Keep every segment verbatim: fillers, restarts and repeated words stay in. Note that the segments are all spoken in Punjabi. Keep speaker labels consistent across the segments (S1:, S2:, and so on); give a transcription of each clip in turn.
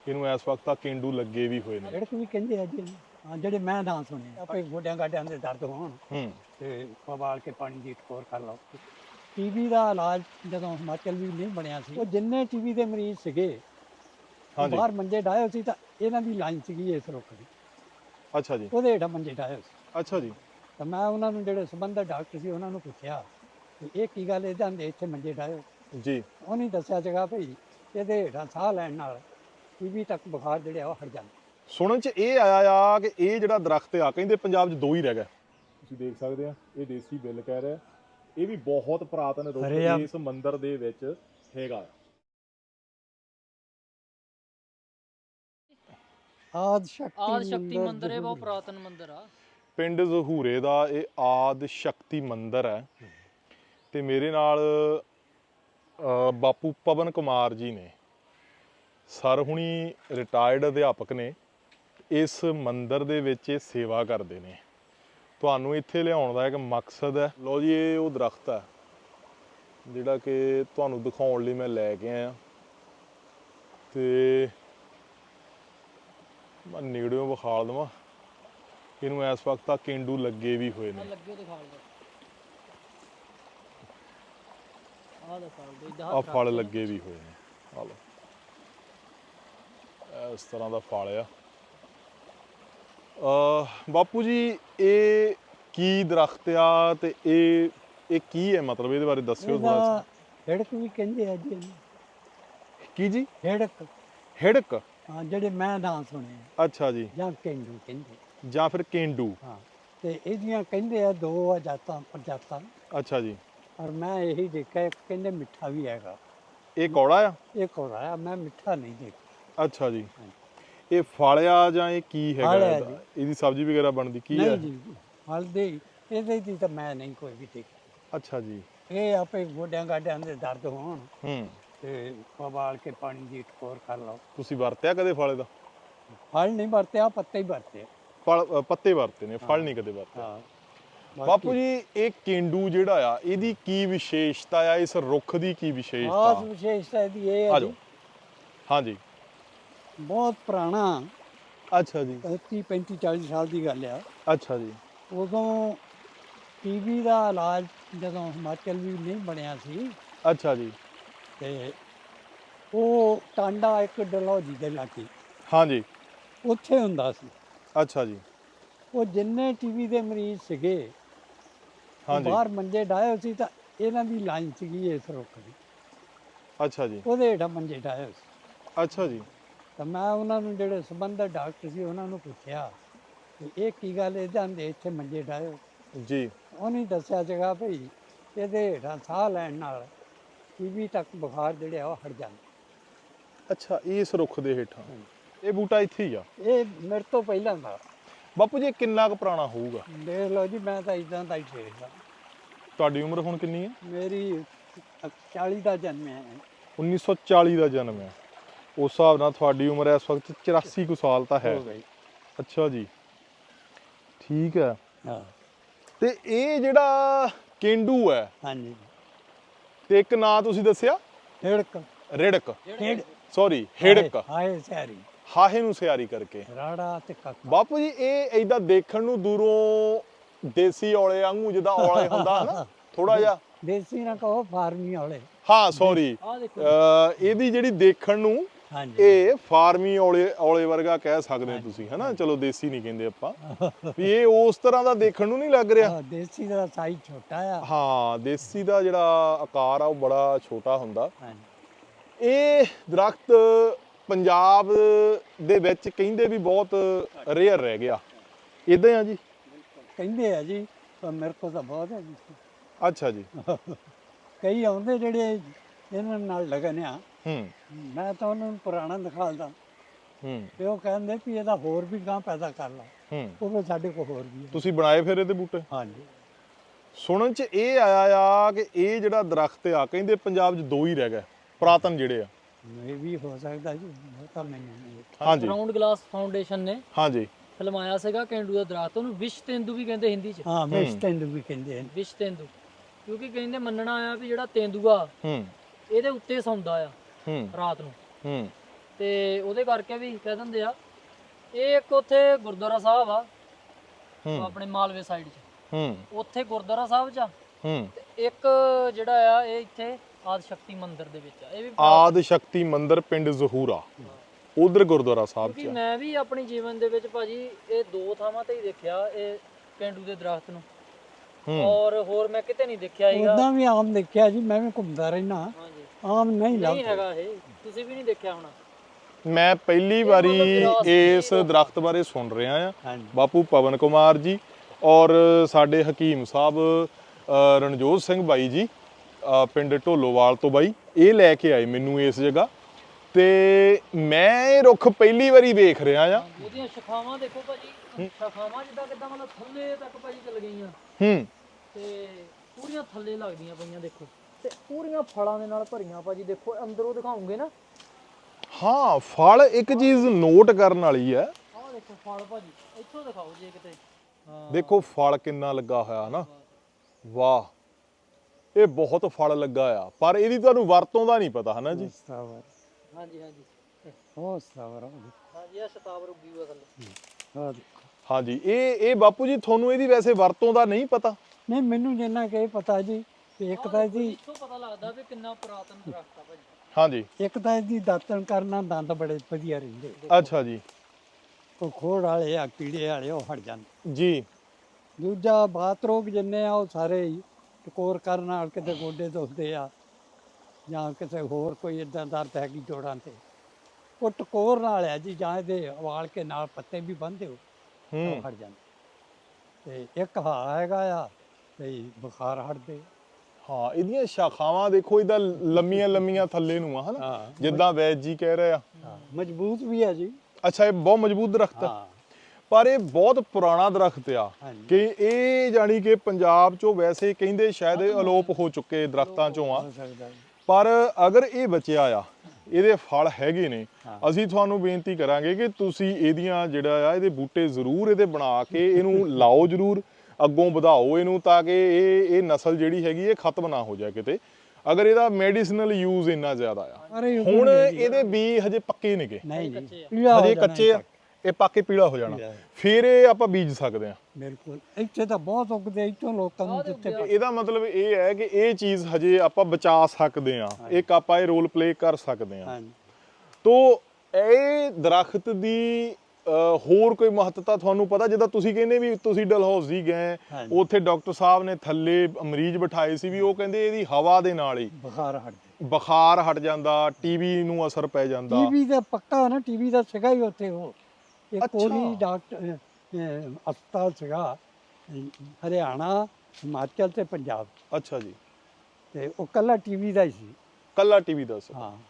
S1: ਇਹਨੂੰ ਇਸ ਵਕਤ ਤਾਂ ਕੇਂਡੂ ਲੱਗੇ ਵੀ ਹੋਏ ਨੇ।
S2: ਰੜਕ ਵੀ ਕਹਿੰਦੇ ਆ ਜੀ। ਹਾਂ, ਜਿਹੜੇ ਮੈਂ ਨਾਂ ਸੁਣੇ ਆਪੇ ਗੋਡਿਆਂ ਗਾਡਿਆਂ ਦੇ ਦਰਦ ਹੋਣ
S1: ਹੂੰ
S2: ਤੇ ਉਬਾਲ ਕੇ ਪਾਣੀ ਦੀ ਟਕੋਰ ਕਰ ਲਓ। ਟੀਵੀ ਦਾ ਇਲਾਜ ਜਦੋਂ ਹਿਮਾਚਲ ਵੀ ਨਹੀਂ ਬਣਿਆ ਸੀ, ਉਹ ਜਿੰਨੇ ਟੀਵੀ ਦੇ ਮਰੀਜ਼ ਸੀਗੇ ਉਹ
S1: ਹਾਂਜੀ
S2: ਬਾਹਰ ਮੰਜੇ ਡਾਏ ਹੋਏ ਸੀ, ਤਾਂ ਇਹਨਾਂ ਦੀ ਲਾਈਨ ਸੀਗੀ ਇਸ ਰੁੱਖ ਦੀ,
S1: ਅੱਛਾ ਜੀ
S2: ਉਹਦੇ ਹੇਠਾਂ ਮੰਜੇ ਡਾਏ ਹੋਏ ਸੀ।
S1: ਅੱਛਾ ਜੀ
S2: ਤਾਂ ਮੈਂ ਉਹਨਾਂ ਨੂੰ ਜਿਹੜੇ ਸੰਬੰਧਤ ਡਾਕਟਰ ਸੀ ਉਹਨਾਂ ਨੂੰ ਪੁੱਛਿਆ ਕਿ ਇਹ ਕੀ ਗੱਲ ਇਹਦਾਂ ਦੇ ਇੱਥੇ ਮੰਜੇ ਡਾਏ ਹੋਏ।
S1: ਜੀ
S2: ਉਹਨੇ ਦੱਸਿਆ ਸੀਗਾ ਭਈ ਇਹਦੇ ਹੇਠਾਂ ਸਾਹ ਲੈਣ ਨਾਲ ਟੀਵੀ ਤੱਕ ਬੁਖਾਰ ਜਿਹੜੇ ਆ ਉਹ ਹਟ ਜਾਂਦੇ।
S1: ਸੁਣਨ ਚ ਇਹ ਆਇਆ ਆ ਕਿ ਇਹ ਜਿਹੜਾ ਦਰਖਤ ਆ ਕਹਿੰਦੇ ਪੰਜਾਬ 'ਚ ਦੋ ਹੀ ਰਹਿ ਗਏ। ਤੁਸੀਂ ਦੇਖ ਸਕਦੇ ਆ ਇਹ ਦੇਸੀ ਬਿੱਲ ਕਹਿ ਰਿਹਾ, ਇਹ ਵੀ ਬਹੁਤ ਪੁਰਾਤਨ ਰੁੱਖ
S2: ਅਰੇ ਆ-
S1: ਇਸ ਮੰਦਿਰ ਦੇ ਵਿੱਚ ਹੈਗਾ।
S2: ਆਦ ਸ਼ਕਤੀ
S3: ਆਦ ਸ਼ਕਤੀ ਮੰਦਿਰ ਹੈ, ਬਹੁਤ ਪੁਰਾਤਨ ਮੰਦਿਰ ਆ।
S1: ਪਿੰਡ ਜ਼ਹੂਰੇ ਦਾ ਇਹ ਆਦ ਸ਼ਕਤੀ ਮੰਦਿਰ ਹੈ ਤੇ ਮੇਰੇ ਨਾਲ ਅ, ਬਾਪੂ ਪਵਨ ਕੁਮਾਰ ਜੀ ਨੇ। ਸਰ ਹੁਣੀ ਰਿਟਾਇਰਡ ਅਧਿਆਪਕ ਨੇ, ਇਸ ਮੰਦਿਰ ਦੇ ਵਿੱਚ ਇਹ ਸੇਵਾ ਕਰਦੇ ਨੇ। ਤੁਹਾਨੂੰ ਇੱਥੇ ਲਿਆਉਣ ਦਾ ਇੱਕ ਮਕਸਦ ਹੈ। ਲਓ ਜੀ, ਇਹ ਉਹ ਦਰਖਤ ਹੈ ਜਿਹੜਾ ਕਿ ਤੁਹਾਨੂੰ ਦਿਖਾਉਣ ਲਈ ਮੈਂ ਲੈ ਕੇ ਆਇਆ ਤੇ ਮੈਂ ਨੇੜਿਓਂ ਵਿਖਾਲ ਦੇਵਾਂ। ਇਹਨੂੰ ਇਸ ਵਕਤ ਤਾਂ ਕੇਂਡੂ ਲੱਗੇ ਵੀ ਹੋਏ ਨੇ।
S3: ਲੱਗੇ ਦਿਖਾ ਲਓ, ਆਹ ਦਿਖਾ ਲਓ,
S1: ਆ ਫਲ ਲੱਗੇ ਵੀ ਹੋਏ ਨੇ। ਆ ਲਓ, ਇਸ ਤਰ੍ਹਾਂ ਦਾ ਫਲ ਆ। ਅ ਬਾਪੂ ਜੀ, ਇਹ ਕੀ ਦਰਖਤ ਆ ਤੇ ਇਹ ਇਹ ਕੀ ਹੈ, ਮਤਲਬ ਇਹਦੇ ਬਾਰੇ ਦੱਸਿਓ ਥੋੜਾ ਜਿਹਾ।
S2: ਹਿੜਕ ਵੀ ਕਹਿੰਦੇ ਆ ਜੀ।
S1: ਕੀ ਜੀ?
S2: ਹਿੜਕ।
S1: ਹਿੜਕ?
S2: ਹਾਂ, ਜਿਹੜੇ ਮੈਂ ਨਾਂ ਸੁਣੇ ਆ।
S1: ਅੱਛਾ ਜੀ।
S2: ਜਾਂ ਕੇਂਡੂ ਕਹਿੰਦੇ,
S1: ਜਾਂ ਫਿਰ ਕੇਂਡੂ।
S2: ਹਾਂ, ਤੇ ਇਹਦੀਆਂ ਕਹਿੰਦੇ ਆ ਦੋ ਆ ਜਾਤਾਂ ਪ੍ਰਜਾਤਾਂ।
S1: ਅੱਛਾ ਜੀ।
S2: ਔਰ ਮੈਂ ਇਹੀ ਦੇਖਿਆ, ਇੱਕ ਕਹਿੰਦੇ ਮਿੱਠਾ ਵੀ ਹੈਗਾ।
S1: ਇਹ ਕੌੜਾ ਆ?
S2: ਇਹ ਕੌੜਾ ਆ, ਮੈਂ ਮਿੱਠਾ ਨਹੀਂ ਦੇਖਿਆ।
S1: ਅੱਛਾ ਜੀ। ਇਹ ਫਲ ਆ ਜਾਂ ਇਹ ਕੀ ਹੈਗਾ?
S2: ਫਲ ਹੈ
S1: ਇਹਦਾ?
S2: ਜੀ।
S1: ਇਹਦੀ ਸਬਜ਼ੀ ਵਗੈਰਾ ਬਣਦੀ ਕੀ ਹੈ?
S2: ਨਹੀਂ ਜੀ, ਹਲਦੀ ਇਹਦੇ ਦੀ ਤਾਂ ਮੈਂ ਨਹੀਂ ਕੋਈ ਵੀ ਦੇਖੀ।
S1: ਅੱਛਾ ਜੀ।
S2: ਇਹ ਆਪੇ ਗੋਡਿਆਂ ਗਾਡਿਆਂ ਦੇ ਦਰਦ ਹੋਣ
S1: ਹੂੰ
S2: ਤੇ ਉਬਾਲ ਕੇ ਪਾਣੀ ਦੀ ਟਕੋਰ ਕਰ ਲਓ।
S1: ਤੁਸੀਂ ਵਰਤਿਆ ਕਦੇ ਫਲ ਇਹਦਾ?
S2: ਫਲ ਨਹੀਂ ਵਰਤਿਆ, ਪੱਤੇ ਹੀ ਵਰਤੇ।
S1: ਫਲ ਅ, ਪੱਤੇ ਵਰਤੇ ਨੇ, ਫਲ ਨਹੀਂ ਕਦੇ ਵਰਤੇ।
S2: ਹਾਂ
S1: ਬਾਪੂ ਜੀ, ਇਹ ਕੇਂਡੂ ਜਿਹੜਾ ਆ ਇਹਦੀ ਕੀ ਵਿਸ਼ੇਸ਼ਤਾ ਆ? ਇਸ ਰੁੱਖ ਦੀ ਕੀ
S2: ਖਾਸ
S1: ਵਿਸ਼ੇਸ਼ਤਾ?
S2: ਵਿਸ਼ੇਸ਼ਤਾ ਇਹਦੀ ਇਹ
S1: ਆ
S2: ਹੈ
S1: ਜਾਓ।
S2: ਜੀ,
S1: ਹਾਂਜੀ।
S2: ਬਹੁਤ ਪੁਰਾਣਾ,
S1: ਅੱਛਾ ਜੀ।
S2: ਤੀਹ ਪੈਂਤੀ ਚਾਲੀ ਸਾਲ ਦੀ ਗੱਲ ਆ।
S1: ਅੱਛਾ ਜੀ।
S2: ਉਦੋਂ ਟੀਵੀ ਦਾ ਇਲਾਜ ਜਦੋਂ ਹਿਮਾਚਲ ਵੀ ਨਹੀਂ ਬਣਿਆ ਸੀ,
S1: ਅੱਛਾ ਜੀ।
S2: ਤੇ ਉਹ ਟਾਂਡਾ ਇੱਕ ਡਲਹੌਜੀ ਦੇ ਲਾਗੇ
S1: ਹਾਂਜੀ।
S2: ਉੱਥੇ ਹੁੰਦਾ ਸੀ।
S1: ਅੱਛਾ ਜੀ।
S2: ਉਹ ਜਿੰਨੇ ਟੀਵੀ ਦੇ ਮਰੀਜ਼ ਸੀਗੇ ਉਹ
S1: ਹਾਂਜੀ।
S2: ਬਾਹਰ ਮੰਜੇ ਡਾਏ ਹੋਏ ਸੀ, ਤਾਂ ਇਹਨਾਂ ਦੀ ਲਾਈਨ ਸੀਗੀ ਇਸ ਰੁੱਖ ਦੀ,
S1: ਅੱਛਾ ਜੀ।
S2: ਉਹਦੇ ਹੇਠਾਂ ਮੰਜੇ ਡਾਏ ਹੋਏ ਸੀ।
S1: ਅੱਛਾ ਜੀ।
S2: ਤਾਂ ਮੈਂ ਉਹਨਾਂ ਨੂੰ ਜਿਹੜੇ ਸੰਬੰਧਤ ਡਾਕਟਰ ਸੀ ਉਹਨਾਂ ਨੂੰ ਪੁੱਛਿਆ ਕਿ ਇਹ ਕੀ ਗੱਲ ਇਹਦਾਂ ਦੇ ਇੱਥੇ ਮੰਜੇ ਡਾਏ ਹੋਏ।
S1: ਜੀ।
S2: ਉਹਨੇ ਦੱਸਿਆ ਸੀਗਾ ਭਈ ਇਹਦੇ ਹੇਠਾਂ ਸਾਹ ਲੈਣ ਨਾਲ ਟੀਵੀ ਤੱਕ ਬੁਖਾਰ ਜਿਹੜੇ ਆ ਉਹ ਹਟ ਜਾਂਦੇ।
S1: ਅੱਛਾ, ਇਸ ਰੁੱਖ ਦੇ ਹੇਠਾਂ ਇਹ ਬੂਟਾ ਇੱਥੇ ਹੀ ਆ?
S2: ਇਹ ਮੇਰੇ ਤੋਂ ਪਹਿਲਾਂ ਦਾ।
S1: ਬਾਪੂ ਜੀ, ਇਹ ਕਿੰਨਾ ਕੁ ਪੁਰਾਣਾ ਹੋਊਗਾ?
S2: ਦੇਖ ਲਓ ਜੀ, ਮੈਂ ਤਾਂ ਇਦਾਂ ਦਾ ਹੀ ਠੇਕਦਾ।
S1: ਤੁਹਾਡੀ ਉਮਰ ਹੁਣ ਕਿੰਨੀ ਹੈ?
S2: ਮੇਰੀ ਚਾਲੀ ਦਾ ਜਨਮ ਹੈ।
S1: ਉੱਨੀ ਸੌ ਚਾਲੀ ਦਾ ਜਨਮ ਹੈ। ਉਸ ਹਿਸਾਬ ਨਾਲ ਤੁਹਾਡੀ ਉਮਰ ਇਸ ਵਕਤ ਚੁਰਾਸੀ ਕੁ ਸਾਲ ਤਾਂ ਹੈ।
S2: ਹੋ ਗਈ।
S1: ਅੱਛਾ ਜੀ, ਠੀਕ ਹੈ।
S2: ਹਾਂ,
S1: ਤੇ ਇਹ ਜਿਹੜਾ ਕੇਂਡੂ ਹੈ,
S2: ਹਾਂਜੀ।
S1: ਤੇ ਇੱਕ ਨਾਂ ਤੁਸੀਂ ਦੱਸਿਆ?
S2: ਹਿੜਕ।
S1: ਰਿੜਕ?
S2: ਹਿੜ
S1: ਸੌਰੀ, ਹਿੜਕ।
S2: ਹਾਏ ਸਿਆਰੀ,
S1: ਹਾਹੇ ਨੂੰ ਸਿਆਰੀ ਕਰਕੇ।
S2: ਰਾੜਾ ਤੇ ਕੱਕਾ।
S1: ਬਾਪੂ ਜੀ, ਇਹ ਏਦਾਂ ਦੇਖਣ ਨੂੰ ਦੂਰੋਂ ਦੇਸੀ ਔਲੇ ਵਾਂਗੂ, ਜਿੱਦਾਂ ਔਲੇ ਹੁੰਦਾ ਹੈ ਨਾ ਥੋੜਾ ਜਿਹਾ।
S2: ਦੇਸੀ ਨਾ ਕਹੋ, ਫਾਰਮੀ ਵਾਲੇ।
S1: ਹਾਂ, ਸੌਰੀ,
S3: ਆਹ ਦੇਖੋ,
S1: ਇਹਦੀ ਜਿਹੜੀ ਦੇਖਣ ਨੂੰ
S2: ਹਾਂਜੀ।
S1: ਇਹ ਫਾਰਮੀ ਔਲੇ ਔਲੇ ਵਰਗਾ ਕਹਿ ਸਕਦੇ ਹੋ ਤੁਸੀਂ, ਹਨਾ? ਚਲੋ ਦੇਸੀ ਨਹੀਂ ਕਹਿੰਦੇ ਆਪਾਂ, ਵੀ ਇਹ ਉਸ ਤਰ੍ਹਾਂ ਦਾ ਦੇਖਣ ਨੂੰ ਨਹੀਂ ਲੱਗ ਰਿਹਾ।
S2: ਹਾਂ, ਦੇਸੀ ਦਾ ਸਾਈਜ਼ ਛੋਟਾ ਆ।
S1: ਹਾਂ, ਦੇਸੀ ਦਾ ਜਿਹੜਾ ਆਕਾਰ ਆ ਉਹ ਬੜਾ ਛੋਟਾ ਹੁੰਦਾ।
S2: ਹਾਂਜੀ।
S1: ਇਹ ਦਰਖਤ ਪੰਜਾਬ ਦੇ ਵਿੱਚ ਕਹਿੰਦੇ ਵੀ ਬਹੁਤ ਰੇਅਰ ਰਹਿ ਗਿਆ। ਇਦਾਂ ਆ ਜੀ?
S2: ਕਹਿੰਦੇ ਆ ਜੀ, ਪਰ ਮੇਰੇ ਕੋਲ ਤਾਂ ਬਹੁਤ ਹੈ ਜੀ।
S1: ਅੱਛਾ ਜੀ।
S2: ਕਈ ਆਉਂਦੇ ਜਿਹੜੇ ਇਹਨਾਂ ਨਾਲ ਲਗਨ ਆ,
S1: ਹੂੰ
S2: ਮੈਂ ਤਾਂ ਉਹਨਾਂ ਨੂੰ ਪੁਰਾਣਾ ਦਿਖਾਲਦਾ
S1: ਹੂੰ
S2: ਤੇ ਉਹ ਕਹਿੰਦੇ ਵੀ ਇਹਦਾ ਹੋਰ ਵੀ ਗਾਂ ਪੈਦਾ ਕਰ ਲਾ।
S1: ਹੂੰ
S2: ਉਹ ਫਿਰ ਸਾਡੇ ਕੋਲ ਹੋਰ ਵੀ ਹੈ।
S1: ਤੁਸੀਂ ਬਣਾਏ ਫਿਰ ਇਹਦੇ ਬੂਟੇ?
S2: ਹਾਂਜੀ।
S1: ਸੁਣਨ ਚ ਇਹ ਆਇਆ ਆ ਕਿ ਇਹ ਜਿਹੜਾ ਦਰਖਤ ਆ ਕਹਿੰਦੇ ਪੰਜਾਬ 'ਚ ਦੋ ਹੀ ਰਹਿ ਗਏ ਪੁਰਾਤਨ ਜਿਹੜੇ ਆ।
S2: ਇਹ ਵੀ ਹੋ ਸਕਦਾ ਜੀ, ਉਹ ਤਾਂ ਮੈਨੂੰ ਨਹੀਂ।
S1: ਹਾਂਜੀ
S3: ਰਾਉਂਡ ਗਲਾਸ ਫਾਊਂਡੇਸ਼ਨ ਨੇ
S1: ਹਾਂਜੀ
S3: ਫਿਲਮਾਇਆ ਸੀਗਾ ਕੇਂਡੂ ਦਾ ਦਰਖਤ। ਉਹਨੂੰ ਵਿਸ਼ ਤੇਂਦੂ ਵੀ ਕਹਿੰਦੇ ਹਿੰਦੀ 'ਚ।
S2: ਹਾਂ, ਮੈਂ ਸਟੈਂਡ ਵੀ ਕਹਿੰਦੇ ਆ।
S3: ਵਿਸ਼ ਤੇਂਦੂ, ਕਿਉਂਕਿ ਕਹਿੰਦੇ ਮੰਨਣਾ ਆ ਵੀ ਜਿਹੜਾ ਤੇਂਦੂਆ
S1: ਹੂੰ
S3: ਇਹਦੇ ਉੱਤੇ ਸੌਂਦਾ ਆ
S1: ਹੂੰ
S3: ਰਾਤ ਨੂੰ,
S1: ਹੂੰ
S3: ਤੇ ਉਹਦੇ ਕਰਕੇ ਵੀ ਕਹਿ ਦਿੰਦੇ ਆ। ਇਹ ਇੱਕ ਉੱਥੇ ਗੁਰਦੁਆਰਾ ਸਾਹਿਬ ਆ
S1: ਹੂੰ
S3: ਆਪਣੇ ਮਾਲਵੇ ਸਾਈਡ 'ਚ,
S1: ਹੂੰ
S3: ਉੱਥੇ ਗੁਰਦੁਆਰਾ ਸਾਹਿਬ 'ਚ ਆ
S1: ਹੂੰ
S3: ਤੇ ਇੱਕ ਜਿਹੜਾ ਆ ਇਹ ਇੱਥੇ ਆਦਿ ਸ਼ਕਤੀ ਮੰਦਿਰ ਦੇ ਵਿੱਚ ਆ। ਇਹ ਵੀ
S1: ਆਦਿ ਸ਼ਕਤੀ ਮੰਦਿਰ ਪਿੰਡ ਜ਼ਹੂਰਾ, ਉਧਰ ਗੁਰਦੁਆਰਾ ਸਾਹਿਬ
S3: ਕਿਉਂਕਿ
S1: ਚ।
S3: ਮੈਂ ਵੀ ਆਪਣੀ ਜੀਵਨ ਦੇ ਵਿੱਚ ਭਾਜੀ ਇਹ ਦੋ ਥਾਵਾਂ ਤੇ ਹੀ ਦੇਖਿਆ ਇਹ ਕੇਂਡੂ ਦੇ ਦਰਖਤ ਨੂੰ,
S1: ਹੂੰ
S3: ਔਰ ਹੋਰ ਮੈਂ ਕਿਤੇ ਨਹੀਂ ਦੇਖਿਆ ਹੈਗਾ।
S2: ਉਦਾਂ ਵੀ ਆਮ ਦੇਖਿਆ ਜੀ, ਮੈਂ ਵੀ ਘੁੰਮਦਾ ਰਹਿਣਾ,
S3: ਹਾਂਜੀ
S2: ਆਮ ਨਹੀਂ
S3: ਨਹੀਂ
S2: ਲੱਗਦਾ।
S3: ਹੈਗਾ ਇਹ, ਤੁਸੀਂ ਵੀ ਨਹੀਂ ਦੇਖਿਆ ਹੋਣਾ।
S1: ਮੈਂ ਪਹਿਲੀ ਵਾਰੀ ਇਸ ਦਰਖਤ ਬਾਰੇ ਸੁਣ ਰਿਹਾ ਆ।
S2: ਹਾਂਜੀ
S1: ਬਾਪੂ ਪਵਨ ਕੁਮਾਰ ਜੀ ਔਰ ਸਾਡੇ ਹਕੀਮ ਸਾਹਿਬ ਅ, ਰਣਜੋਤ ਸਿੰਘ ਬਾਈ ਜੀ ਅ, ਪਿੰਡ ਢੋਲੋਵਾਲ ਤੋਂ ਬਾਈ, ਇਹ ਲੈ ਕੇ ਆਏ ਮੈਨੂੰ ਇਸ ਜਗ੍ਹਾ ਤੇ ਮੈਂ ਇਹ ਰੁੱਖ ਪਹਿਲੀ ਵਾਰੀ ਵੇਖ ਰਿਹਾ ਆ।
S3: ਉਹਦੀਆਂ ਸ਼ਾਖਾਵਾਂ ਦੇਖੋ ਭਾਜੀ, ਸ਼ਾਖਾਵਾਂ ਜਿੱਦਾਂ ਕਿੱਦਾਂ ਮਤਲਬ ਥੱਲੇ ਤੱਕ ਭਾਜੀ ਚਲ ਗਈਆਂ
S1: ਹੂੰ
S3: ਤੇ ਪੂਰੀਆਂ ਥੱਲੇ ਲੱਗਦੀਆਂ ਪਈਆਂ ਦੇਖੋ, ਤੇ ਪੂਰੀਆਂ ਫਲਾਂ ਦੇ ਨਾਲ ਭਰੀਆਂ ਭਾਜੀ। ਦੇਖੋ ਅੰਦਰੋਂ ਦਿਖਾਉਂਗੇ ਨਾ,
S1: ਹਾਂ ਫਲ ਇੱਕ ਚੀਜ਼ ਨੋਟ ਕਰਨ ਵਾਲੀ ਹੈ।
S3: ਆਹ ਦੇਖੋ ਫਲ ਭਾਜੀ, ਇੱਥੋਂ ਦਿਖਾਓ ਜੇ ਕਿਤੇ। ਹਾਂ
S1: ਦੇਖੋ ਫਲ ਕਿੰਨਾ ਲੱਗਾ ਹੋਇਆ ਨਾ, ਵਾਹ ਇਹ ਬਹੁਤ ਫਲ ਲੱਗਾ ਆ, ਪਰ ਇਹਦੀ ਤੁਹਾਨੂੰ ਵਰਤੋਂ ਦਾ ਨਹੀਂ ਪਤਾ ਹਨਾ ਜੀ।
S2: ਸਤਾਵਰ,
S3: ਹਾਂਜੀ ਹਾਂਜੀ
S2: ਉਹ ਸਤਾਵਰ,
S3: ਹਾਂਜੀ ਆ ਸ਼ਤਾਵਰ ਉੱਗੀ ਹੋਇਆ ਥੱਲੇ।
S2: ਆਹ ਦੇਖੋ।
S1: ਹਾਂਜੀ ਇਹ ਇਹ ਬਾਪੂ ਜੀ ਤੁਹਾਨੂੰ ਇਹਦੀ ਵੈਸੇ ਵਰਤੋਂ ਦਾ ਨਹੀਂ ਪਤਾ?
S2: ਨਹੀਂ ਮੈਨੂੰ ਜਿੰਨਾ ਕਿ ਪਤਾ ਜੀ, ਵੀ ਇੱਕ ਤਾਂ ਇਹਦੀ
S3: ਇੱਥੋਂ ਪਤਾ ਲੱਗਦਾ ਵੀ ਕਿੰਨਾ ਪੁਰਾਤਨ ਦਰਖਤ ਆ ਭਾਜੀ।
S1: ਹਾਂਜੀ
S2: ਇੱਕ ਤਾਂ ਇਹਦੀ ਦਾਤਣ ਕਰਨਾ, ਦੰਦ ਬੜੇ ਵਧੀਆ ਰਹਿੰਦੇ।
S1: ਅੱਛਾ ਜੀ
S2: ਕੋਈ ਖੋੜ ਵਾਲੇ ਆ ਕੀੜੇ ਵਾਲੇ ਉਹ ਹਟ ਜਾਂਦੇ।
S1: ਜੀ
S2: ਦੂਜਾ ਬਾਤ ਰੋਗ ਜਿੰਨੇ ਆ ਉਹ ਸਾਰੇ ਹੀ ਟਕੋਰ ਕਰਨ ਨਾਲ, ਕਿਤੇ ਗੋਡੇ ਦੁਖਦੇ ਆ ਜਾਂ ਕਿਸੇ ਹੋਰ ਕੋਈ ਇਦਾਂ ਦਰਦ ਹੈਗੀ ਜੋੜਾਂ ਤੇ, ਉਹ ਟਕੋਰ ਨਾਲ ਆ ਜੀ, ਜਾਂ ਇਹਦੇ ਉਬਾਲ ਕੇ ਨਾਲ ਪੱਤੇ ਵੀ ਬੰਨ੍ਹਦੇ ਹੋ
S1: ਹੂੰ
S2: ਉਹ ਹਟ ਜਾਂਦੇ। ਤੇ ਇੱਕ ਹਾ ਹੈਗਾ ਆ ਤੇ ਬੁਖਾਰ ਹਟਦੇ।
S1: ਹਾਂ ਇਹਦੀਆਂ ਸ਼ਾਖਾਵਾਂ ਦੇਖੋ ਇਹਦਾ ਲੰਮੀਆਂ ਲੰਮੀਆਂ ਥੱਲੇ ਨੂੰ ਆ ਹਨਾ,
S2: ਹਾਂ
S1: ਜਿੱਦਾਂ ਵੈਦ ਜੀ ਕਹਿ ਰਹੇ ਆ।
S2: ਹਾਂ, ਮਜ਼ਬੂਤ ਵੀ ਹੈ ਜੀ।
S1: ਅੱਛਾ ਇਹ ਬਹੁਤ ਮਜ਼ਬੂਤ ਦਰਖਤ ਆ,
S2: ਹਾਂ
S1: ਪਰ ਇਹ ਬਹੁਤ ਪੁਰਾਣਾ ਦਰਖਤ ਆ
S2: ਹਾਂਜੀ
S1: ਕਿ ਇਹ ਜਾਣੀ ਕਿ ਪੰਜਾਬ ਚੋਂ ਵੈਸੇ ਕਹਿੰਦੇ ਸ਼ਾਇਦ ਇਹ ਅਲੋਪ ਹੋ ਚੁੱਕੇ ਦਰਖਤਾਂ ਚੋਂ ਆ,
S2: ਹੋ ਸਕਦਾ ਜੀ।
S1: ਪਰ ਅਗਰ ਇਹ ਬਚਿਆ ਆ, ਇਹਦੇ ਫਲ ਹੈਗੇ ਨੇ,
S2: ਹਾਂ।
S1: ਅਸੀਂ ਤੁਹਾਨੂੰ ਬੇਨਤੀ ਕਰਾਂਗੇ ਕਿ ਤੁਸੀਂ ਇਹਦੀਆਂ ਜਿਹੜਾ ਆ ਇਹਦੇ ਬੂਟੇ ਜ਼ਰੂਰ ਇਹਦੇ ਬਣਾ ਕੇ ਇਹਨੂੰ ਲਾਓ, ਜ਼ਰੂਰ ਅੱਗੋਂ ਵਧਾਓ ਇਹਨੂੰ, ਤਾਂ ਕਿ ਇਹ ਇਹ ਨਸਲ ਜਿਹੜੀ ਹੈਗੀ ਇਹ ਖਤਮ ਨਾ ਹੋ ਜਾਏ ਕਿਤੇ। ਅਗਰ ਇਹਦਾ ਮੈਡੀਸਿਨਲ ਯੂਜ਼ ਇੰਨਾ ਜ਼ਿਆਦਾ ਆ।
S2: ਅਰੇ
S1: ਹੁਣ ਇਹਦੇ ਬੀ ਹਜੇ ਪੱਕੇ ਨੇਗੇ,
S2: ਨਹੀਂ
S3: ਕੱਚੇ
S2: ਜੀ
S3: ਆ।
S2: ਪੀਲਾ ਹੋ
S1: ਹਜੇ
S2: ਜਾਣਾ
S1: ਕੱਚੇ ਆ, ਇਹ ਪੱਕ ਕੇ ਪੀਲਾ ਹੋ ਜਾਣਾ,
S2: ਪੀਲਾ।
S1: ਫਿਰ ਇਹ ਆਪਾਂ ਬੀਜ ਸਕਦੇ ਆ।
S2: ਬਿਲਕੁਲ ਇੱਥੇ ਤਾਂ ਬਹੁਤ ਉੱਗਦੇ, ਇੱਥੋਂ ਲੋਕਾਂ ਨੂੰ ਦਿੱਤੇ।
S1: ਇਹਦਾ ਮਤਲਬ ਇਹ ਹੈ ਕਿ ਇਹ ਚੀਜ਼ ਹਜੇ ਆਪਾਂ ਬਚਾ ਸਕਦੇ ਆ, ਇੱਕ ਆਪਾਂ ਇਹ ਰੋਲ ਪਲੇ ਕਰ ਸਕਦੇ ਆ।
S2: ਹਾਂਜੀ
S1: ਤੋ ਇਹ ਦਰਖਤ ਦੀ ਅ, ਹੋਰ ਕੋਈ ਮਹੱਤਤਾ ਤੁਹਾਨੂੰ ਪਤਾ? ਜਿੱਦਾਂ ਤੁਸੀਂ ਕਹਿੰਦੇ ਵੀ ਤੁਸੀਂ ਡਲਹੌਜ਼ੀ ਗਏ,
S2: ਹਾਂਜੀ।
S1: ਉੱਥੇ ਡਾਕਟਰ ਸਾਹਿਬ ਨੇ ਥੱਲੇ ਮਰੀਜ਼ ਬਿਠਾਏ ਸੀ, ਵੀ ਉਹ ਕਹਿੰਦੇ ਇਹਦੀ ਹਵਾ ਦੇ ਨਾਲ ਹੀ
S2: ਬੁਖਾਰ ਹਟਦੇ।
S1: ਬੁਖਾਰ ਹਟ ਜਾਂਦਾ, ਟੀਵੀ ਨੂੰ ਅਸਰ ਪੈ ਜਾਂਦਾ।
S2: ਟੀਵੀ ਦਾ ਪੱਕਾ ਨਾ, ਟੀਵੀ ਦਾ ਸੀਗਾ ਹੀ ਉੱਥੇ ਉਹ ਇੱਕ
S1: ਅੱਛਾ।
S2: ਕੋਲੀ ਡਾਕਟਰ ਅਹ, ਅਹ, ਹਸਪਤਾਲ ਸੀਗਾ ਅਹ, ਹਰਿਆਣਾ, ਹਿਮਾਚਲ ਤੇ ਪੰਜਾਬ,
S1: ਅੱਛਾ ਜੀ,
S2: ਤੇ ਉਹ ਕੱਲਾ ਟੀਵੀ ਦਾ ਹੀ ਸੀ।
S1: ਕੱਲਾ ਟੀਵੀ ਦਾ ਅਸਰ।
S2: ਹਾਂ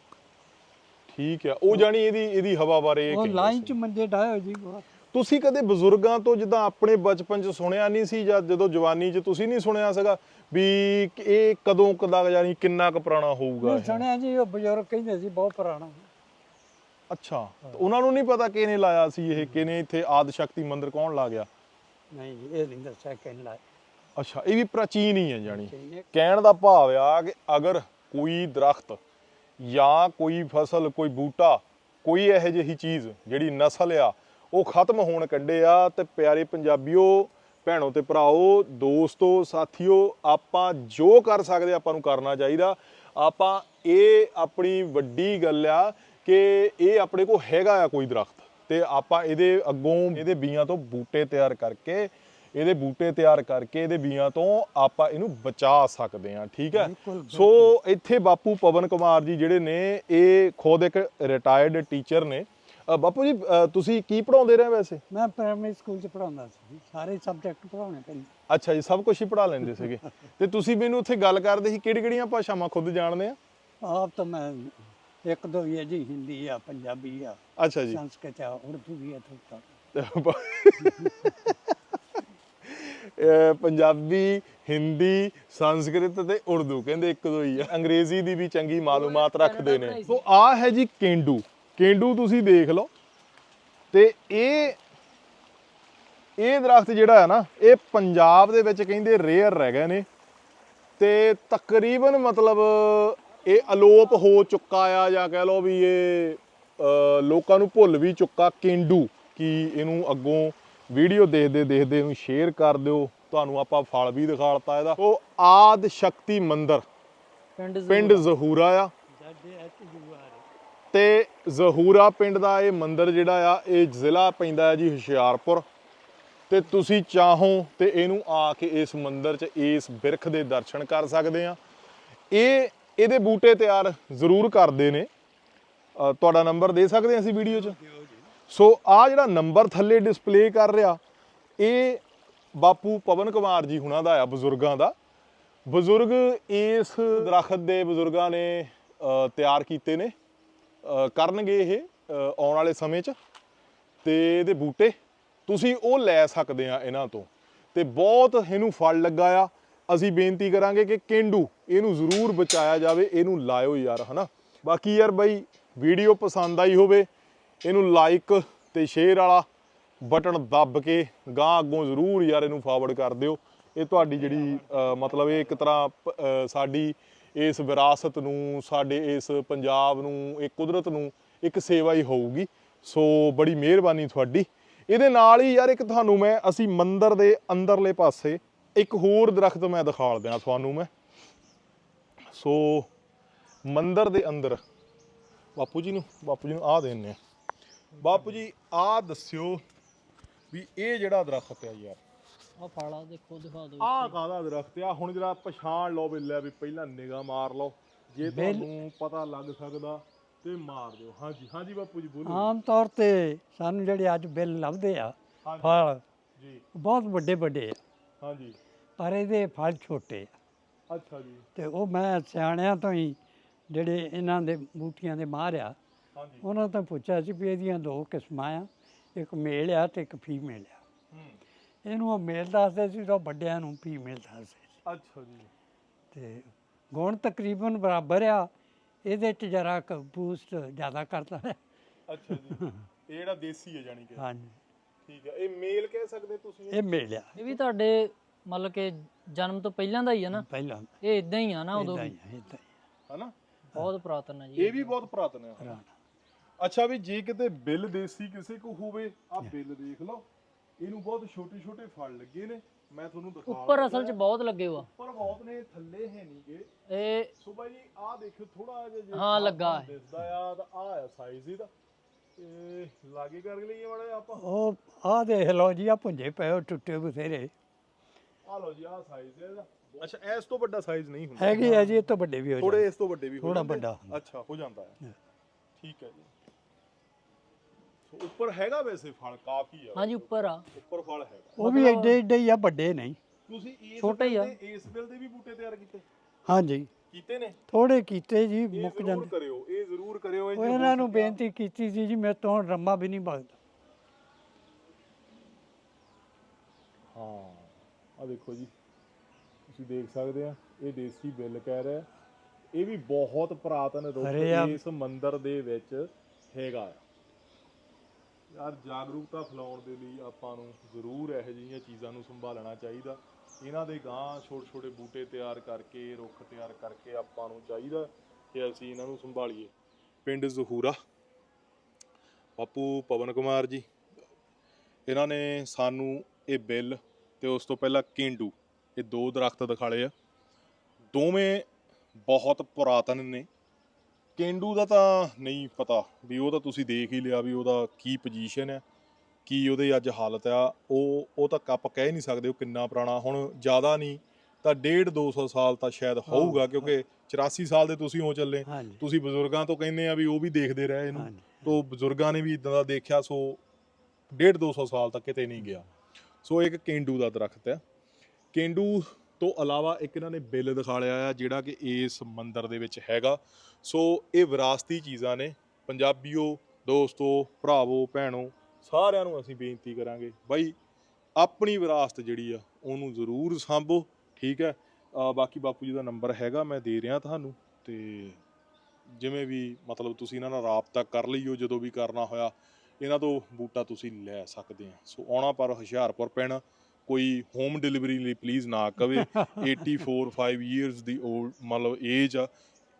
S1: ਠੀਕ ਆ, ਉਹ ਜਾਣੀ ਇਹਦੀ ਇਹਦੀ ਹਵਾ ਬਾਰੇ ਇਹ
S2: ਉਹ
S1: ਕਹਿੰਦੇ
S2: ਲਾਈਨ
S1: ਸੀ।
S2: ਚ ਮੰਜੇ ਡਾਇਓ ਜੀ ਬਹੁਤ।
S1: ਤੁਸੀਂ ਕਦੇ ਬਜ਼ੁਰਗਾਂ ਤੋਂ, ਜਿੱਦਾਂ ਆਪਣੇ ਬਚਪਨ ਚ ਸੁਣਿਆ ਨਹੀਂ ਸੀ, ਜਾਂ ਜਦੋਂ ਜਵਾਨੀ ਚ ਤੁਸੀਂ ਨਹੀਂ ਸੁਣਿਆ ਸੀਗਾ ਵੀ ਇਹ ਕਦੋਂ ਕਦਾ ਯਾਨੀ ਕਿੰਨਾ ਕੁ ਪੁਰਾਣਾ ਹੋਊਗਾ
S2: ਮੈਂ
S1: ਇਹ?
S2: ਸੁਣਿਆ ਜੀ ਉਹ ਬਜ਼ੁਰਗ ਕਹਿੰਦੇ ਸੀ ਬਹੁਤ ਪੁਰਾਣਾ।
S1: ਅੱਛਾ, ਤਾਂ ਉਹਨਾਂ ਨੂੰ ਨਹੀਂ ਪਤਾ ਕਿਹਨੇ ਲਾਇਆ ਸੀ ਇਹ, ਕਿਹਨੇ ਇੱਥੇ ਆਦਿ ਸ਼ਕਤੀ ਮੰਦਿਰ ਕੌਣ ਲਾ ਗਿਆ?
S2: ਨਹੀਂ ਜੀ ਇਹ ਨਹੀਂ ਦੱਸਿਆ ਕਿੰਨ ਲਾਇਆ।
S1: ਅੱਛਾ, ਇਹ ਵੀ ਪ੍ਰਾਚੀਨ ਹੀ ਹੈ ਜਾਣੀ।
S2: ਠੀਕ ਹੈ।
S1: ਕਹਿਣ ਦਾ ਭਾਵ ਆ ਕਿ ਅਗਰ ਕੋਈ ਦਰਖਤ ਜਾਂ ਕੋਈ ਫਸਲ, ਕੋਈ ਬੂਟਾ, ਕੋਈ ਇਹੋ ਜਿਹੀ ਚੀਜ਼ ਜਿਹੜੀ ਨਸਲ ਆ ਉਹ ਖਤਮ ਹੋਣ ਕੱਢੇ ਆ, ਤੇ ਪਿਆਰੇ ਪੰਜਾਬੀਓ, ਭੈਣੋ ਤੇ ਭਰਾਓ, ਦੋਸਤੋ, ਸਾਥੀਓ, ਆਪਾਂ ਜੋ ਕਰ ਸਕਦੇ ਆਪਾਂ ਨੂੰ ਕਰਨਾ ਚਾਹੀਦਾ। ਆਪਾਂ ਇਹ ਆਪਣੀ ਵੱਡੀ ਗੱਲ ਆ ਕਿ ਇਹ ਆਪਣੇ ਕੋਲ ਹੈਗਾ ਆ ਕੋਈ ਦਰਖਤ, ਤੇ ਆਪਾਂ ਇਹਦੇ ਅੱਗੋਂ ਇਹਦੇ ਬੀਆਂ ਤੋਂ ਬੂਟੇ ਤਿਆਰ ਕਰਕੇ ਇਹਦੇ ਬੂਟੇ ਤਿਆਰ ਕਰਕੇ ਇਹਦੇ ਬੀਆਂ ਤੋਂ ਆਪਾਂ ਇਹਨੂੰ ਬਚਾ ਸਕਦੇ ਹਾਂ। ਠੀਕ ਹੈ।
S2: ਬਿਲਕੁਲ,
S1: ਸੋ ਇੱਥੇ ਬਾਪੂ ਪਵਨ ਕੁਮਾਰ ਜੀ ਜਿਹੜੇ ਨੇ, ਇਹ ਖੁਦ ਇੱਕ ਰਿਟਾਇਰਡ ਟੀਚਰ ਨੇ। ਅ, ਬਾਪੂ ਜੀ ਅ, ਤੁਸੀਂ ਕੀ ਪੜਾਉਂਦੇ ਰਹੇ ਵੈਸੇ?
S2: ਮੈਂ ਪ੍ਰਾਇਮਰੀ ਸਕੂਲ ਚ ਪੜਾਉਂਦਾ ਸੀ, ਸਾਰੇ ਸਬਜੈਕਟ ਪੜਾਉਣੇ ਪੈਂਦੇ।
S1: ਅੱਛਾ ਜੀ, ਸਭ ਕੁਝ ਹੀ ਪੜਾ ਲੈਂਦੇ ਸੀਗੇ। ਤੇ ਤੁਸੀਂ ਮੈਨੂੰ ਉੱਥੇ ਗੱਲ ਕਰਦੇ ਸੀ ਕਿਹੜੀ ਕਿਹੜੀਆਂ ਭਾਸ਼ਾਵਾਂ ਖੁਦ ਜਾਣਦੇ ਆ?
S2: ਆਪ ਤਾਂ ਮੈਂ ਇੱਕ ਦੋ ਹੀ ਹੈ ਜੀ, ਹਿੰਦੀ ਆ, ਪੰਜਾਬੀ ਆ,
S1: ਅੱਛਾ ਜੀ।
S2: ਸੰਸਕ੍ਰਿਤ ਆ, ਉਰਦੂ ਵੀ ਆ ਥੋੜਾ।
S1: ਅਹ ਪੰਜਾਬੀ, ਹਿੰਦੀ, ਸੰਸਕ੍ਰਿਤ ਤੇ ਉਰਦੂ ਕਹਿੰਦੇ ਇੱਕ ਦੋ ਹੀ ਆ। ਅੰਗਰੇਜ਼ੀ ਦੀ ਵੀ ਚੰਗੀ ਮਾਲੂਮਾਤ ਰੱਖਦੇ ਨੇ। ਸੋ ਆ ਹੈ ਜੀ ਕੇਂਡੂ। ਕੇਂਡੂ ਤੁਸੀਂ ਦੇਖ ਲਓ, ਤੇ ਇਹ ਇਹ ਦਰਖਤ ਜਿਹੜਾ ਹੈ ਨਾ, ਇਹ ਪੰਜਾਬ ਦੇ ਵਿੱਚ ਕਹਿੰਦੇ ਰੇਅਰ ਰਹਿ ਗਏ ਨੇ, ਤੇ ਤਕਰੀਬਨ ਮਤਲਬ ਇਹ ਅਲੋਪ ਹੋ ਚੁੱਕਾ ਆ, ਜਾਂ ਕਹਿ ਲਓ ਵੀ ਇਹ ਅ, ਲੋਕਾਂ ਨੂੰ ਭੁੱਲ ਵੀ ਚੁੱਕਾ ਕੇਂਡੂ, ਕਿ ਇਹਨੂੰ ਅੱਗੋਂ ਵੀਡੀਓ ਦੇਖਦੇ ਦੇਖਦੇ ਇਹਨੂੰ ਸ਼ੇਅਰ ਕਰ ਦਿਓ। ਤੁਹਾਨੂੰ ਆਪਾਂ ਫਲ ਵੀ ਦਿਖਾਲਤਾ ਇਹਦਾ। ਉਹ ਆਦਿ ਸ਼ਕਤੀ ਮੰਦਿਰ
S3: ਪਿੰਡ
S1: ਪਿੰਡ ਜ਼ਹੂਰਾ ਆ,
S2: ਸਾਡੇ ਐਚ ਯੂ ਆਰ
S1: ਤੇ ਜ਼ਹੂਰਾ ਪਿੰਡ ਦਾ ਇਹ ਮੰਦਿਰ ਜਿਹੜਾ ਆ ਇਹ ਜ਼ਿਲ੍ਹਾ ਪੈਂਦਾ ਹੈ ਜੀ ਹੁਸ਼ਿਆਰਪੁਰ। ਤੇ ਤੁਸੀਂ ਚਾਹੋ ਤੇ ਇਹਨੂੰ ਆ ਕੇ ਇਸ ਮੰਦਿਰ 'ਚ ਇਸ ਬਿਰਖ ਦੇ ਦਰਸ਼ਨ ਕਰ ਸਕਦੇ ਆ। ਇਹ ਇਹਦੇ ਬੂਟੇ ਤਿਆਰ ਜ਼ਰੂਰ ਕਰਦੇ ਨੇ। ਅ, ਤੁਹਾਡਾ ਨੰਬਰ ਦੇ ਸਕਦੇ ਹਾਂ ਅਸੀਂ ਵੀਡੀਓ 'ਚ। ਸੋ ਆ ਜਿਹੜਾ ਨੰਬਰ ਥੱਲੇ ਡਿਸਪਲੇ ਕਰ ਰਿਹਾ, ਇਹ ਬਾਪੂ ਪਵਨ ਕੁਮਾਰ ਜੀ ਹੁਣਾਂ ਦਾ ਆ, ਬਜ਼ੁਰਗਾਂ ਦਾ। ਬਜ਼ੁਰਗ ਇਸ ਦਰਖਤ ਦੇ ਬਜ਼ੁਰਗਾਂ ਨੇ ਅ, ਤਿਆਰ ਕੀਤੇ ਨੇ, ਅ, ਕਰਨਗੇ ਇਹ ਅ, ਆਉਣ ਵਾਲੇ ਸਮੇਂ 'ਚ। ਤੇ ਇਹਦੇ ਬੂਟੇ ਤੁਸੀਂ ਉਹ ਲੈ ਸਕਦੇ ਆ ਇਹਨਾਂ ਤੋਂ, ਤੇ ਬਹੁਤ ਇਹਨੂੰ ਫਲ ਲੱਗਾ ਆ। ਅਸੀਂ ਬੇਨਤੀ ਕਰਾਂਗੇ ਕਿ ਕੇਂਡੂ ਇਹਨੂੰ ਜ਼ਰੂਰ ਬਚਾਇਆ ਜਾਵੇ, ਇਹਨੂੰ ਲਾਇਓ ਯਾਰ, ਹਨਾ। ਬਾਕੀ ਯਾਰ ਬਾਈ ਵੀਡੀਓ ਪਸੰਦ ਆਈ ਹੋਵੇ, ਇਹਨੂੰ ਲਾਈਕ ਤੇ ਸ਼ੇਅਰ ਵਾਲਾ ਬਟਨ ਦੱਬ ਕੇ ਗਾਂ ਅੱਗੋਂ ਜ਼ਰੂਰ ਯਾਰ ਇਹਨੂੰ ਫਾਰਵਰਡ ਕਰ ਦਿਓ। ਇਹ ਤੁਹਾਡੀ ਜਿਹੜੀ ਅ, ਮਤਲਬ ਇਹ ਇੱਕ ਤਰ੍ਹਾਂ ਅ, ਸਾਡੀ ਇਸ ਵਿਰਾਸਤ ਨੂੰ, ਸਾਡੇ ਇਸ ਪੰਜਾਬ ਨੂੰ, ਇਹ ਕੁਦਰਤ ਨੂੰ ਇੱਕ ਸੇਵਾ ਹੀ ਹੋਊਗੀ। ਸੋ ਬੜੀ ਮਿਹਰਬਾਨੀ ਤੁਹਾਡੀ। ਇਹਦੇ ਨਾਲ ਹੀ ਯਾਰ ਇੱਕ ਤੁਹਾਨੂੰ ਮੈਂ ਅਸੀਂ ਮੰਦਿਰ ਦੇ ਅੰਦਰਲੇ ਪਾਸੇ ਇੱਕ ਹੋਰ ਦਰਖਤ ਮੈਂ ਦਿਖਾਲ ਦੇਣਾ ਤੁਹਾਨੂੰ ਮੈਂ। ਸੋ ਮੰਦਿਰ ਦੇ ਅੰਦਰ ਬਾਪੂ ਜੀ ਨੂੰ ਬਾਪੂ ਜੀ ਨੂੰ ਆਹ ਦੇਣੇ ਆ। ਬਾਪੂ ਜੀ ਆਹ ਦੱਸਿਓ ਵੀ ਇਹ ਜਿਹੜਾ ਦਰਖਤ ਆ ਯਾਰ,
S3: ਆ ਫਾਲਾ ਦੇਖੋ, ਦਿਖਾ ਦਿਓ।
S1: ਆਹ ਕਾਹਦਾ ਦਰਖਤ ਆ? ਹੁਣ ਜਰਾ ਪਛਾਣ ਲਓ ਵੀ ਲੈ ਵੀ ਪਹਿਲਾਂ ਨਿਗਾਹ ਮਾਰ ਲਓ, ਜੇ ਤੁਹਾਨੂੰ ਪਤਾ ਲੱਗ ਸਕਦਾ ਤੇ ਮਾਰ ਦਿਓ। ਹਾਂਜੀ ਹਾਂਜੀ ਬਾਪੂ ਜੀ ਬੋਲੋ।
S2: ਆਮ ਤੌਰ ਤੇ ਸਾਨੂੰ ਜਿਹੜੇ ਅੱਜ ਬਿੱਲ ਲੱਭਦੇ ਆ
S1: ਹਾਂਜੀ
S2: ਫਲ,
S1: ਜੀ,
S2: ਬਹੁਤ ਵੱਡੇ ਵੱਡੇ ਆ,
S1: ਹਾਂਜੀ,
S2: ਪਰ ਇਹਦੇ ਫਲ ਛੋਟੇ ਆ।
S1: ਅੱਛਾ ਜੀ,
S2: ਤੇ ਉਹ ਮੈਂ ਸਿਆਣਿਆਂ ਤੋਂ ਹੀ ਜਿਹੜੇ ਇਹਨਾਂ ਦੇ ਬੂਟੀਆਂ ਦੇ ਮਾਹਰ ਆ,
S1: ਹਾਂਜੀ,
S2: ਉਹਨਾਂ ਤੋਂ ਪੁੱਛਿਆ ਸੀ ਵੀ ਇਹਦੀਆਂ ਦੋ ਕਿਸਮਾਂ ਆ, ਇੱਕ ਮੇਲ ਆ ਤੇ ਇੱਕ ਫੀਮੇਲ ਆ।
S1: ਹੂੰ,
S2: ਇਹਨੂੰ ਉਹ ਮੇਲ ਦੱਸਦੇ ਸੀ ਤਾਂ ਵੱਡਿਆਂ ਨੂੰ ਫੀਮੇਲ ਦੱਸਦੇ ਸੀ।
S1: ਅੱਛਾ ਜੀ,
S2: ਤੇ ਗੁਣ ਤਕਰੀਬਨ ਬਰਾਬਰ ਆ, ਇਹਦੇ 'ਚ ਜਰਾ ਕੁ ਬੂਸਟ ਜ਼ਿਆਦਾ ਕਰਦਾ ਹੈ।
S1: ਅੱਛਾ ਜੀ। ਇਹ ਜਿਹੜਾ ਦੇਸੀ ਹੈ ਜਾਨੀ ਕਿ,
S2: ਹਾਂਜੀ,
S1: ਠੀਕ ਹੈ। ਇਹ ਮੇਲ ਕਹਿ ਸਕਦੇ ਤੁਸੀਂ?
S2: ਇਹ ਮੇਲ ਆ
S3: ਇਹ ਵੀ ਤੁਹਾਡੇ ਮਤਲਬ ਕਿ ਜਨਮ ਤੋਂ ਪਹਿਲਾਂ ਦਾ ਹੀ ਆ ਨਾ?
S2: ਪਹਿਲਾਂ
S3: ਇਹ ਇਦਾਂ ਹੀ ਆ ਨਾ ਉਦੋਂ
S2: ਏਦਾਂ
S3: ਵੀ?
S2: ਹੀ ਆ, ਏਦਾਂ ਹੀ
S1: ਹਨਾ,
S3: ਬਹੁਤ ਪੁਰਾਤਨ ਹੈ ਜੀ
S1: ਇਹ ਵੀ ਬਹੁਤ ਪੁਰਾਤਨ ਹੈ।
S2: ਆ, ਪੁਰਾਣਾ।
S1: ਅੱਛਾ ਵੀ ਜੇ ਕਿਤੇ ਬਿੱਲ ਦੇਸੀ ਕਿਸੇ ਕੋ ਹੋਵੇ, ਆ ਬਿੱਲ ਦੇਖ ਲਓ, ਇਹਨੂੰ ਬਹੁਤ ਛੋਟੇ ਛੋਟੇ ਫਲ ਲੱਗੇ ਨੇ। ਮੈਂ ਤੁਹਾਨੂੰ ਦਿਖਾ
S3: ਉੱਪਰ ਅਸਲ 'ਚ ਬਹੁਤ ਲੱਗੇ ਵਾ,
S1: ਉੱਪਰ ਬਹੁਤ ਨੇ, ਥੱਲੇ ਹੈ ਨਹੀਂਗੇ।
S3: ਇਹ
S1: ਸੋ ਬਾਈ ਜੀ ਆਹ ਦੇਖਿਓ ਥੋੜਾ ਜਿਹਾ ਜੇ
S3: ਹਾਂ, ਲੱਗਾ ਹੈ।
S1: ਦਿਸਦਾ ਆ ਤਾਂ ਆਹ ਆ ਸਾਈਜ਼ ਇਹਦਾ। ਤੇ ਲਾਗੇ ਕਰ ਲਈਏ ਮਾੜਾ ਜਿਹਾ ਆਪਾਂ।
S2: ਉਹ ਆਹ ਦੇਖ ਲਓ ਜੀ, ਆ ਪੁੰਜੇ ਪਏ ਉਹ ਟੁੱਟੇ ਬਥੇਰੇ
S1: ਆ ਲਓ ਜੀ, ਆਹ ਸਾਈਜ਼ ਹੈ ਇਹਦਾ। ਅੱਛਾ ਇਸ ਤੋਂ ਵੱਡਾ ਸਾਈਜ਼ ਨਹੀਂ ਹੁੰਦਾ?
S2: ਹੈਗੇ ਆ ਜੀ, ਇਹ ਤੋਂ ਵੱਡੇ ਵੀ ਹੋ
S1: ਥੋੜੇ
S2: ਜਾਂਦੇ।
S1: ਇਸ ਤੋਂ ਵੱਡੇ ਵੀ ਹੋ
S2: ਥੋੜ੍ਹਾ
S1: ਜਾਂਦੇ?
S2: ਵੱਡਾ ਹੁੰਦਾ।
S1: ਅੱਛਾ ਹੋ ਜਾਂਦਾ ਹੈ, ਠੀਕ ਹੈ ਜੀ। ਸੋ ਉੱਪਰ ਹੈਗਾ ਵੈਸੇ ਫਲ ਕਾਫੀ ਆ।
S3: ਹਾਂਜੀ ਉੱਪਰ ਆ,
S1: ਉੱਪਰ ਫਲ ਹੈਗਾ।
S2: ਉਹ ਵੀ ਏਡੇ ਏਡੇ ਹੀ ਆ, ਵੱਡੇ ਨਹੀਂ।
S1: ਤੁਸੀਂ ਇਸ
S3: ਛੋਟੇ ਹੀ ਆ।
S1: ਬਿੱਲ ਦੇ- ਇਸ ਬਿੱਲ ਦੇ ਵੀ ਬੂਟੇ ਤਿਆਰ ਕੀਤੇ
S2: ਹਾਂਜੀ,
S1: ਕੀਤੇ ਨੇ?
S2: ਥੋੜੇ ਕੀਤੇ ਜੀ,
S1: ਇਹ
S2: ਮੁੱਕ
S1: ਜ਼ਰੂਰ
S2: ਜਾਂਦੇ।
S1: ਕਰਿਓ, ਇਹ ਜ਼ਰੂਰ ਕਰਿਓ। ਇਹ
S2: ਉਹ
S1: ਜੇ ਹੋ
S2: ਇਹਨਾਂ ਨੂੰ
S1: ਸਕਿਆ-
S2: ਬੇਨਤੀ ਕੀਤੀ ਸੀ ਜੀ, ਮੇਰੇ ਤੋਂ ਹੁਣ ਰੰਮਾ ਵੀ ਨਹੀਂ ਬਗਦਾ।
S1: ਹਾਂ ਆ ਦੇਖੋ ਜੀ, ਤੁਸੀਂ ਦੇਖ ਸਕਦੇ ਆ, ਇਹ ਦੇਸੀ ਬਿੱਲ ਕਹਿ ਰਿਹਾ। ਇਹ ਵੀ ਬਹੁਤ ਪੁਰਾਤਨ
S2: ਅਰੇ ਆ-
S1: ਰੁੱਖ ਇਸ ਮੰਦਿਰ ਦੇ ਵਿੱਚ ਹੈਗਾ ਆ। ਯਾਰ ਜਾਗਰੂਕਤਾ ਫੈਲਾਉਣ ਦੇ ਲਈ ਆਪਾਂ ਨੂੰ ਜ਼ਰੂਰ ਇਹੋ ਜਿਹੀਆਂ ਚੀਜ਼ਾਂ ਨੂੰ ਸੰਭਾਲਣਾ ਚਾਹੀਦਾ। ਇਹਨਾਂ ਦੇ ਗਾਂ ਛੋਟੇ ਛੋਟੇ ਬੂਟੇ ਤਿਆਰ ਕਰਕੇ, ਰੁੱਖ ਤਿਆਰ ਕਰਕੇ ਆਪਾਂ ਨੂੰ ਚਾਹੀਦਾ ਕਿ ਅਸੀਂ ਇਹਨਾਂ ਨੂੰ ਸੰਭਾਲੀਏ। ਪਿੰਡ ਜ਼ਹੂਰਾ, ਬਾਪੂ ਪਵਨ ਕੁਮਾਰ ਜੀ, ਇਹਨਾਂ ਨੇ ਸਾਨੂੰ ਇਹ ਬਿੱਲ ਤੇ ਉਸ ਤੋਂ ਪਹਿਲਾਂ ਕੇਂਡੂ, ਇਹ ਦੋ ਦਰਖਤ ਦਿਖਾਲੇ ਆ। ਦੋਵੇਂ ਬਹੁਤ ਪੁਰਾਤਨ ਨੇ। ਕੇਂਡੂ ਦਾ ਤਾਂ ਨਹੀਂ ਪਤਾ ਵੀ, ਉਹ ਤਾਂ ਤੁਸੀਂ ਦੇਖ ਹੀ ਲਿਆ ਵੀ ਉਹਦਾ ਕੀ ਪੋਜੀਸ਼ਨ ਹੈ, ਕੀ ਉਹਦੇ ਅੱਜ ਹਾਲਤ ਆ। ਉਹ ਉਹ ਤਾਂ ਆਪਾਂ ਕਹਿ ਨਹੀਂ ਸਕਦੇ ਉਹ ਕਿੰਨਾ ਪੁਰਾਣਾ। ਹੁਣ ਜ਼ਿਆਦਾ ਨਹੀਂ ਤਾਂ ਡੇਢ ਦੋ ਸੌ ਸਾਲ ਤਾਂ ਸ਼ਾਇਦ ਹੋਊਗਾ, ਕਿਉਂਕਿ ਚੁਰਾਸੀ ਸਾਲ ਦੇ ਤੁਸੀਂ ਹੋ ਚੱਲੇ।
S2: ਹਾਂਜੀ,
S1: ਤੁਸੀਂ ਬਜ਼ੁਰਗਾਂ ਤੋਂ ਕਹਿੰਦੇ ਆ ਵੀ ਉਹ ਵੀ ਦੇਖਦੇ ਰਹੇ ਇਹਨੂੰ,
S2: ਹਾਂਜੀ,
S1: ਤੋਂ ਬਜ਼ੁਰਗਾਂ ਨੇ ਵੀ ਇਦਾਂ ਦਾ ਦੇਖਿਆ। ਸੋ ਡੇਢ ਦੋ ਸੌ ਸਾਲ ਤੱਕ ਕਿਤੇ ਨਹੀਂ ਗਿਆ। ਸੋ ਇੱਕ ਕੇਂਡੂ ਦਾ ਦਰਖਤ ਆ। ਕੇਂਡੂ ਤੋਂ ਇਲਾਵਾ ਇੱਕ ਇਹਨਾਂ ਨੇ ਬਿੱਲ ਦਿਖਾ ਲਿਆ ਆ, ਜਿਹੜਾ ਕਿ ਇਸ ਮੰਦਿਰ ਦੇ ਵਿੱਚ ਹੈਗਾ। ਸੋ ਇਹ ਵਿਰਾਸਤੀ ਚੀਜ਼ਾਂ ਨੇ। ਪੰਜਾਬੀਓ, ਦੋਸਤੋ, ਭਰਾਵੋ, ਭੈਣੋ, ਸਾਰਿਆਂ ਨੂੰ ਅਸੀਂ ਬੇਨਤੀ ਕਰਾਂਗੇ ਬਾਈ ਆਪਣੀ ਵਿਰਾਸਤ ਜਿਹੜੀ ਆ ਉਹਨੂੰ ਜ਼ਰੂਰ ਸਾਂਭੋ, ਠੀਕ ਹੈ। ਅ, ਬਾਕੀ ਬਾਪੂ ਜੀ ਦਾ ਨੰਬਰ ਹੈਗਾ, ਮੈਂ ਦੇ ਰਿਹਾ ਤੁਹਾਨੂੰ। ਤੇ ਜਿਵੇਂ ਵੀ ਮਤਲਬ ਤੁਸੀਂ ਇਹਨਾਂ ਨਾਲ ਰਾਬਤਾ ਕਰ ਲਈਓ, ਜਦੋਂ ਵੀ ਕਰਨਾ ਹੋਇਆ ਇਹਨਾਂ ਤੋਂ ਬੂਟਾ ਤੁਸੀਂ ਲੈ ਸਕਦੇ ਆ। ਸੋ ਆਉਣਾ ਪਰ ਹੁਸ਼ਿਆਰਪੁਰ ਪੈਣਾ। ਕੋਈ ਹੋਮ ਡਿਲੀਵਰੀ ਲਈ ਪਲੀਜ਼ ਨਾ ਕਵੇ। ਏਟੀ ਫੋਰ ਫਾਈਵ ਈਅਰਸ ਦੀ ਓਲਡ ਮਤਲਬ ਏਜ ਆ।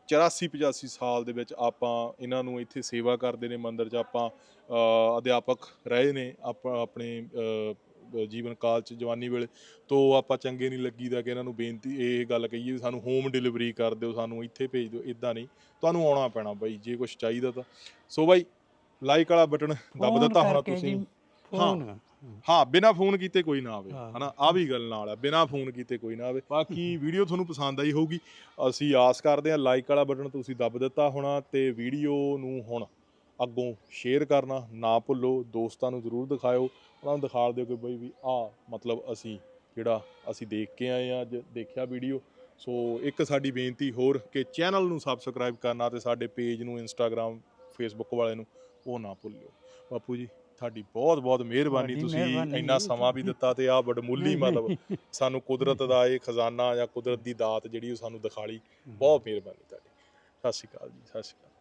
S1: ਚੁਰਾਸੀ ਪਚਾਸੀ ਸਾਲ ਦੇ ਵਿੱਚ ਆਪਾਂ ਇਹਨਾਂ ਨੂੰ ਇੱਥੇ ਸੇਵਾ ਕਰਦੇ ਨੇ ਮੰਦਿਰ 'ਚ। ਆਪਾਂ ਅ, ਅਧਿਆਪਕ ਰਹੇ ਨੇ ਆਪਾਂ ਆਪਣੇ ਅ, ਜੀਵਨ ਕਾਲ 'ਚ ਜਵਾਨੀ ਵੇਲੇ ਤੋਂ ਆਪਾਂ ਚੰਗੇ ਨਹੀਂ ਲੱਗੀਦਾ ਕਿ ਇਹਨਾਂ ਨੂੰ ਬੇਨਤੀ ਇਹ ਗੱਲ ਕਹੀਏ ਵੀ ਸਾਨੂੰ ਹੋਮ ਡਿਲੀਵਰੀ ਕਰ ਦਿਓ, ਸਾਨੂੰ ਇੱਥੇ ਭੇਜ ਦਿਓ। ਇੱਦਾਂ ਨਹੀਂ, ਤੁਹਾਨੂੰ ਆਉਣਾ ਪੈਣਾ ਬਾਈ ਜੇ ਕੁਛ ਚਾਹੀਦਾ ਤਾਂ। ਸੋ ਬਾਈ ਲਾਈਕ ਵਾਲਾ ਬਟਨ ਦੱਬ
S2: ਫੋਨ
S1: ਦਿੱਤਾ ਹੋਣਾ
S2: ਕਰਕੇ
S1: ਤੁਸੀਂ।
S2: ਜੀ, ਫੋਨ
S1: ਹਾਂ, ਬਿਨਾ ਫੋਨ ਕੀਤੇ ਕੋਈ ਨਾ ਆਵੇ,
S2: ਹਾਂ।
S1: ਹਨਾ, ਆ ਵੀ ਗੱਲ ਨਾਲ ਆ, ਬਿਨਾ ਫੋਨ ਕੀਤੇ ਕੋਈ ਨਾ ਆਵੇ। ਬਾਕੀ ਵੀਡੀਓ ਤੁਹਾਨੂੰ ਪਸੰਦ ਆਈ ਹੋਊਗੀ, ਅਸੀਂ ਆਸ ਕਰਦੇ ਹਾਂ। ਲਾਈਕ ਵਾਲਾ ਬਟਨ ਤੁਸੀਂ ਦੱਬ ਦਿੱਤਾ ਹੋਣਾ ਤੇ ਵੀਡੀਓ ਨੂੰ ਹੁਣ ਅੱਗੋਂ ਸ਼ੇਅਰ ਕਰਨਾ ਨਾ ਭੁੱਲੋ। ਦੋਸਤਾਂ ਨੂੰ ਜ਼ਰੂਰ ਦਿਖਾਇਓ, ਉਹਨਾਂ ਨੂੰ ਦਿਖਾ ਦਿਓ ਕਿ ਬਈ ਵੀ ਆਹ ਮਤਲਬ ਅਸੀਂ ਜਿਹੜਾ ਅਸੀਂ ਦੇਖ ਕੇ ਆਏ ਹਾਂ, ਅੱਜ ਦੇਖਿਆ ਵੀਡੀਓ। ਸੋ ਇੱਕ ਸਾਡੀ ਬੇਨਤੀ ਹੋਰ ਕਿ ਚੈਨਲ ਨੂੰ ਸਬਸਕ੍ਰਾਈਬ ਕਰਨਾ ਤੇ ਸਾਡੇ ਪੇਜ ਨੂੰ ਇੰਸਟਾਗ੍ਰਾਮ ਫੇਸਬੁੱਕ ਵਾਲੇ ਨੂੰ ਉਹ ਨਾ ਭੁੱਲਿਓ। ਬਾਪੂ ਜੀ ਤੁਹਾਡੀ ਬਹੁਤ ਬਹੁਤ ਮਿਹਰਬਾਨੀ,
S2: ਤੁਹਾਡੀ
S1: ਤੁਸੀਂ
S2: ਮਿਹਰਬਾਨੀ
S1: ਇੰਨਾ
S2: ਜੀ।
S1: ਸਮਾਂ ਵੀ ਦਿੱਤਾ ਤੇ ਆਹ ਵਡਮੁੱਲੀ ਮਤਲਬ ਸਾਨੂੰ ਕੁਦਰਤ ਦਾ ਇਹ ਖਜ਼ਾਨਾ ਜਾਂ ਕੁਦਰਤ ਦੀ ਦਾਤ ਜਿਹੜੀ ਉਹ ਸਾਨੂੰ ਦਿਖਾ ਲਈ। ਬਹੁਤ ਮਿਹਰਬਾਨੀ ਤੁਹਾਡੀ। ਸਤਿ ਸ਼੍ਰੀ ਅਕਾਲ ਜੀ, ਸਤਿ ਸ਼੍ਰੀ ਅਕਾਲ।